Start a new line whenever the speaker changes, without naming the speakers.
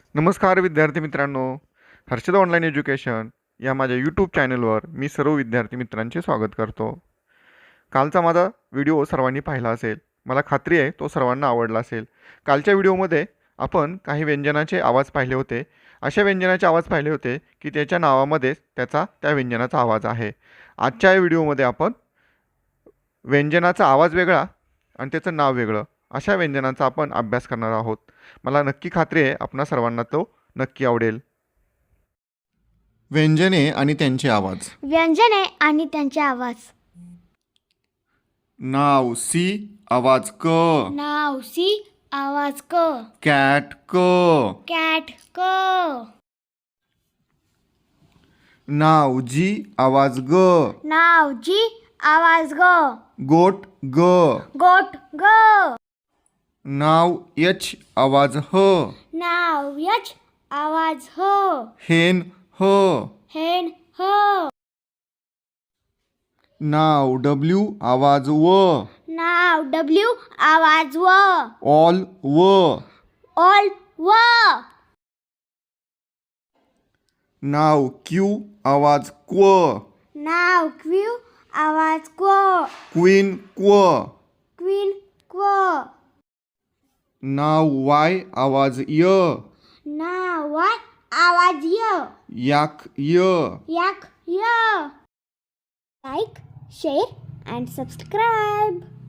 नमस्कार विद्यार्थी मित्रांनो, हर्षद ऑनलाईन एज्युकेशन या माझ्या यूट्यूब चॅनलवर मी सर्व विद्यार्थी मित्रांचे स्वागत करतो. कालचा माझा व्हिडिओ सर्वांनी पाहिला असेल. मला खात्री आहे तो सर्वांना आवडला असेल. कालच्या व्हिडिओमध्ये आपण काही व्यंजनाचे आवाज पाहिले होते. अशा व्यंजनाचे आवाज पाहिले होते की त्याच्या नावामध्येच त्या व्यंजनाचा आवाज आहे. आजच्या या व्हिडिओमध्ये आपण व्यंजनाचा आवाज वेगळा आणि त्याचं नाव वेगळं अशा व्यंजनांचा आपण अभ्यास करणार आहोत. मला नक्की खात्री आहे आपणा सर्वांना तो नक्की आवडेल. व्यंजने आणि त्यांचे आवाज.
व्यंजने आणि त्यांचे आवाज.
नाव सी आवाज क.
नाव सी आवाज क.
कॅट क.
कॅट क.
नाव जी आवाज ग.
नाव जी आवाज ग.
गोट ग.
गोट ग.
नाव यच आवाज ह.
नाव यच आवाज ह.
हेन ह.
हेन ह.
नाव डब्ल्यू आवाज व.
नाव डब्ल्यू आवाज व.
ऑल व.
ऑल व.
नाव क्यू आवाज क्व.
नाव क्यू आवाज क्व.
क्वीन क्व.
क्वीन क्व.
नाव वाय आवाज य.
नाव वाय आवाज य.
याक य.
yak ya. Like, share and subscribe.